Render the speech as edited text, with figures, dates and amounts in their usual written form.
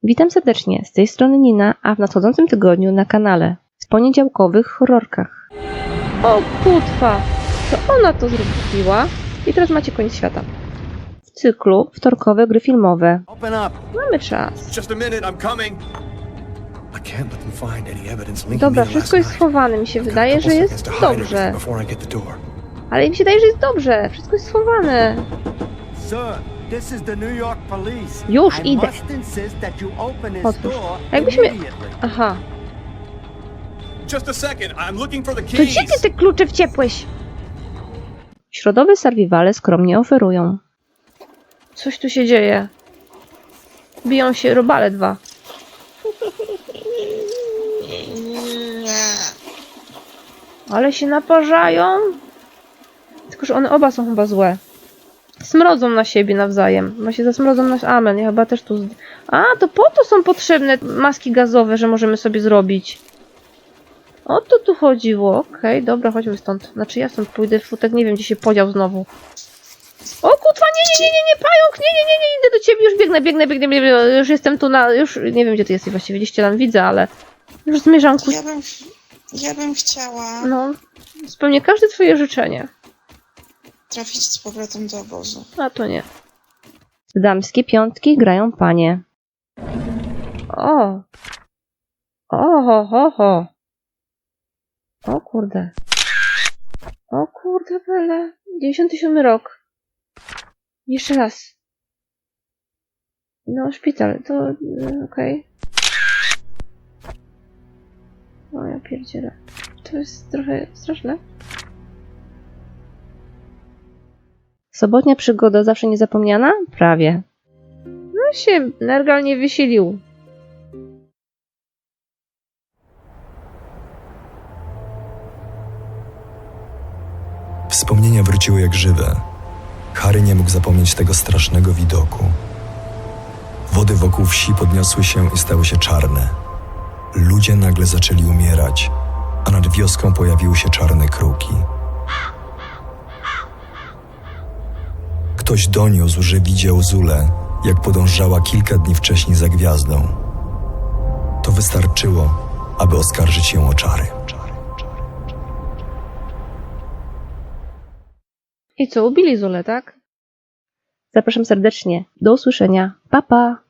Witam serdecznie, z tej strony Nina, a w nadchodzącym tygodniu na kanale w poniedziałkowych horrorkach. O kutwa, to ona to zrobiła i teraz macie koniec świata. W cyklu wtorkowe gry filmowe. Mamy czas. Dobra, wszystko jest schowane, mi się wydaje, że jest dobrze. Ale mi się wydaje, że jest dobrze, wszystko jest schowane. Już idę. Otwórz. Jakbyśmy... Aha. To gdzie ty te klucze wciepłeś? Środowe survivale skromnie oferują. Coś tu się dzieje. Biją się robale dwa. Ale się naparzają. Tylko że one oba są chyba złe. Smrodzą na siebie nawzajem. Chyba się zasmrodzą na... Amen, ja chyba też tu... A, to po to są potrzebne maski gazowe, że możemy sobie zrobić. O to tu chodziło. Okej, dobra, chodźmy stąd. Znaczy ja stąd pójdę, futek nie wiem, gdzie się podział znowu. O kutwa, nie, pająk, nie, idę do ciebie, już biegnę, już jestem tu na... Już nie wiem, gdzie ty jesteś właściwie, gdzieś cię tam widzę, ale... Już zmierzam ku... Ja bym chciała... No, spełnię każde twoje życzenie. Trafić z powrotem do obozu. A to nie. W damskie piątki grają panie. O! Ho. O kurde. O kurde, bele. 97 rok. Jeszcze raz. No, szpital, to... okej. O, ja pierdzielę. To jest trochę straszne. Sobotnia przygoda zawsze niezapomniana? Prawie. No się Nergal nie wysilił. Wspomnienia wróciły jak żywe. Harry nie mógł zapomnieć tego strasznego widoku. Wody wokół wsi podniosły się i stały się czarne. Ludzie nagle zaczęli umierać, a nad wioską pojawiły się czarne kruki. Ktoś doniósł, że widział Zulę, jak podążała kilka dni wcześniej za gwiazdą. To wystarczyło, aby oskarżyć ją o czary. I co, ubili Zulę, tak? Zapraszam serdecznie. Do usłyszenia. Pa, pa!